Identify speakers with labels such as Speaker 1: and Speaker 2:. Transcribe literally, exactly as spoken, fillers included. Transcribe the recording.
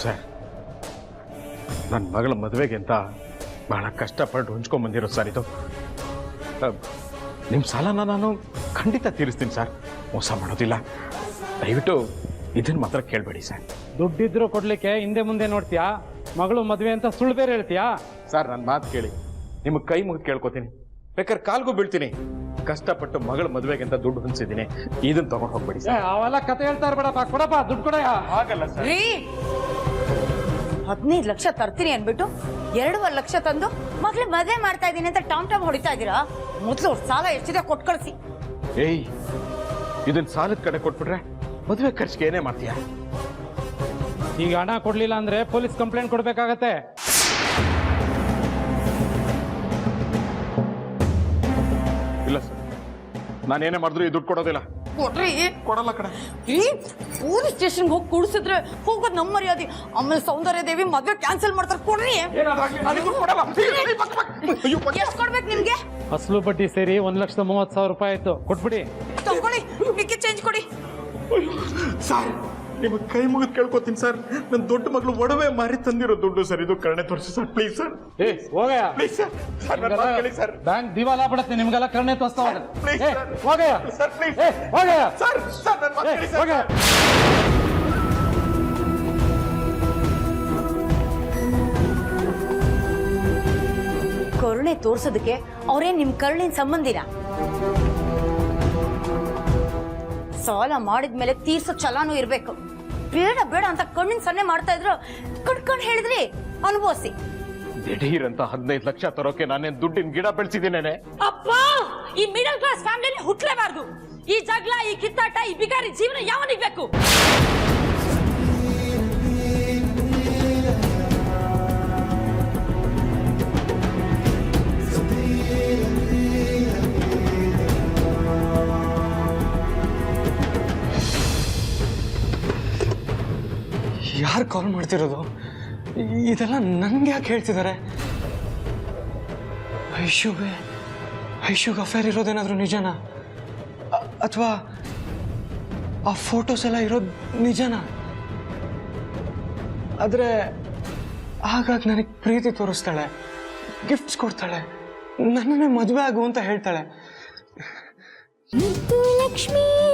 Speaker 1: Sir, ನನ್ನ ಮಗಳ ಮದುವೆಗೆ ಅಂತ ಬಹಳ ಕಷ್ಟಪಟ್ಟು ಹೊಂಚ್ಕೊಂಡ್ಬಂದಿರೋ ಸರ್ ಇದು. ನಿಮ್ಮ ಸಾಲನ ನಾನು ಖಂಡಿತ ತೀರಿಸ್ತೀನಿ ಸರ್, ಮೋಸ ಮಾಡೋದಿಲ್ಲ. ದಯವಿಟ್ಟು ಇದನ್ನು ಮಾತ್ರ ಕೇಳಬೇಡಿ ಸರ್.
Speaker 2: ದುಡ್ಡಿದ್ರು ಕೊಡ್ಲಿಕ್ಕೆ ಹಿಂದೆ ಮುಂದೆ ನೋಡ್ತೀಯಾ? ಮಗಳು ಮದುವೆ ಅಂತ ಸುಳ್ಳು ಬೇರೆ ಹೇಳ್ತೀಯಾ?
Speaker 1: ಸರ್, ನನ್ನ ಮಾತು ಕೇಳಿ, ನಿಮಗೆ ಕೈ ಮುಗಿದು ಕೇಳ್ಕೊತೀನಿ, ಬೇಕಾದ್ರೆ ಕಾಲ್ಗೂ ಬೀಳ್ತೀನಿ. ಕಷ್ಟಪಟ್ಟು ಮಗಳ ಮದುವೆಗೆ ಅಂತ ದುಡ್ಡು ಹೊಂದಿಸಿದ್ದೀನಿ, ಇದನ್ನ ತಗೊಂಡು ಹೋಗ್ಬೇಡಿ ಸರ್.
Speaker 2: ಅವೆಲ್ಲ ಕತೆ ಹೇಳ್ತಾ ಇರ್ಬೇಡಪ್ಪ, ಕೊಡಪ್ಪ ದುಡ್ಡು ಕೊಡಯ್ಯ.
Speaker 1: ಆಗಲ್ಲ ಸರ್.
Speaker 3: ಹದಿನೈದು ಲಕ್ಷ ತರ್ತೀನಿ ಅನ್ಬಿಟ್ಟು ಎರಡೂವರೆ ಲಕ್ಷ ತಂದು ಮಗ್ಳಿಗೆ ಮದುವೆ ಮಾಡ್ತಾ ಇದ್ದೀನಿ ಅಂತ ಟಾಮ್ ಟಾಮ್ ಹೊಡಿತಾ ಇದ್ದೀರಾ? ಮೊದಲು ಸಾಲ ಎಷ್ಟಿದೆ ಕೊಟ್ಟು ಕಳಿಸಿ.
Speaker 1: ಏಯ್, ಇದನ್ನ ಸಾಲದ ಕಡೆ ಕೊಟ್ಬಿಟ್ರೆ ಮದುವೆ ಖರ್ಚಿಗೆ ಏನೇ ಮಾಡ್ತೀಯಾ?
Speaker 2: ಈಗ ಹಣ ಕೊಡ್ಲಿಲ್ಲ ಅಂದ್ರೆ ಪೊಲೀಸ್ ಕಂಪ್ಲೇಂಟ್ ಕೊಡ್ಬೇಕಾಗತ್ತೆ.
Speaker 1: ಇಲ್ಲ ಸರ್, ನಾನೇನೇ ಮಾಡಿದ್ರು ಈ ದುಡ್ಡು ಕೊಡೋದಿಲ್ಲ.
Speaker 3: ಕೊಡ್ರಿ.
Speaker 1: ಕೊಡಲ್ಲ ಕಡೆ.
Speaker 3: ಈ ಪೊಲೀಸ್ ಸ್ಟೇಷನ್ಗೆ ಹೋಗಿ ಕುಡಿಸಿದ್ರೆ ಹೋಗೋದು ನಮ್ಮ ಮರ್ಯಾದೆ. ಆಮೇಲೆ ಸೌಂದರ್ಯ ದೇವಿ ಮದುವೆ ಕ್ಯಾನ್ಸಲ್ ಮಾಡ್ತಾರೆ. ಕೊಡ್ರಿ. ಎಷ್ಟು ಕೊಡ್ಬೇಕು ನಿಮ್ಗೆ?
Speaker 2: ಅಸಲು ಬಡ್ಡಿ ಸೇರಿ ಒಂದ್ ಲಕ್ಷದ ಮೂವತ್ ಸಾವಿರ ರೂಪಾಯಿ ಆಯ್ತು, ಕೊಟ್ಬಿಡಿ.
Speaker 3: ತಗೊಳ್ಳಿ, ಮಿಕ್ಕಿ ಚೇಂಜ್ ಕೊಡಿ.
Speaker 1: ಸರ್, ನಿಮಗೆ ಕೈ ಮುಗಿದು ಕೇಳ್ಕೊತೀನಿ ಸರ್, ನನ್ನ ದೊಡ್ಡ ಮಗಳು ಒಡವೆ ಮಾರಿ ತಂದಿರೋ ದುಡ್ಡು ಸರ್, ಇದು ಕರುಣೆ ತೋರಿಸಿ ಸರ್, ಪ್ಲೀಸ್ ಸರ್.
Speaker 2: ಏ ಹೋಗಯ್ಯ,
Speaker 1: ಪ್ಲೀಸ್ ಸರ್. ಸರ್,
Speaker 2: ಬ್ಯಾಂಕ್ ದಿವಾಲ ಬಿಡುತ್ತೆ, ನಿಮ್ಗೆಲ್ಲ ಕರುಣೆ ತೋರಿಸ್ತಾ
Speaker 1: ಪ್ಲೀಸ್ ಸರ್.
Speaker 2: ಹೋಗಯ್ಯ
Speaker 1: ಸರ್, ಪ್ಲೀಸ್
Speaker 2: ಹೋಗಯ್ಯ
Speaker 1: ಸರ್. ಸರ್, ನನ್ನ ಮಾತು ಕೇಳಿ ಸರ್.
Speaker 2: ಹೋಗಯ್ಯ.
Speaker 3: ಕರುಣೆ ತೋರ್ಸೋದಕ್ಕೆ ಅವ್ರೇನ್ ನಿಮ್ ಕರುಣಿನ ಸಂಬಂಧಿನ? ಸಾಲ ಮಾಡಿದ್ಮೇಲೆ ತೀರ್ಸೋ ಛಲಾನು ಇರ್ಬೇಕು. ಬೇಡ ಬೇಡ ಅಂತ ಕಣ್ಣಿನ ಸನ್ನೆ ಮಾಡ್ತಾ ಇದ್ರು, ಕಣ್ಕಂಡ್ ಹೇಳಿದ್ರಿ ಅನುಭವಿಸಿ.
Speaker 1: ದಿಢೀರಂತ ಹದಿನೈದು ಲಕ್ಷ ತರೋಕೆ ನಾನೇನ್ ದುಡ್ಡಿನ ಗಿಡ ಬೆಳೆಸಿದ್ದೀನೇನೆ?
Speaker 4: ಅಪ್ಪ, ಈ ಮಿಡಲ್ ಕ್ಲಾಸ್ ಫ್ಯಾಮಿಲಿ ಹುಟ್ಲೇಬಾರ್ದು. ಈ ಜಗಳ, ಈ ಕಿತ್ತಾಟ, ಈ ಬಿಗಾರಿ ಜೀವನ ಯಾವನಿಗೆ ಬೇಕು?
Speaker 5: ಯಾರು ಕಾಲ್ ಮಾಡ್ತಿರೋದು? ಇದೆಲ್ಲ ನನ್ಗೆ ಯಾಕೆ ಹೇಳ್ತಿದ್ದಾರೆ? ಐಶುಗೆ ಐಶುಗೆ ಅಫೇರ್ ಇರೋದೇನಾದ್ರೂ ನಿಜನಾ? ಅಥವಾ ಆ ಫೋಟೋಸ್ ಎಲ್ಲ ಇರೋದು ನಿಜನಾ? ಆದರೆ ಹಾಗಾಗಿ ನನಗೆ ಪ್ರೀತಿ ತೋರಿಸ್ತಾಳೆ, ಗಿಫ್ಟ್ಸ್ ಕೊಡ್ತಾಳೆ, ನನ್ನನ್ನೇ ಮದುವೆ ಆಗು ಅಂತ ಹೇಳ್ತಾಳೆ.
Speaker 6: ಲಕ್ಷ್ಮೀ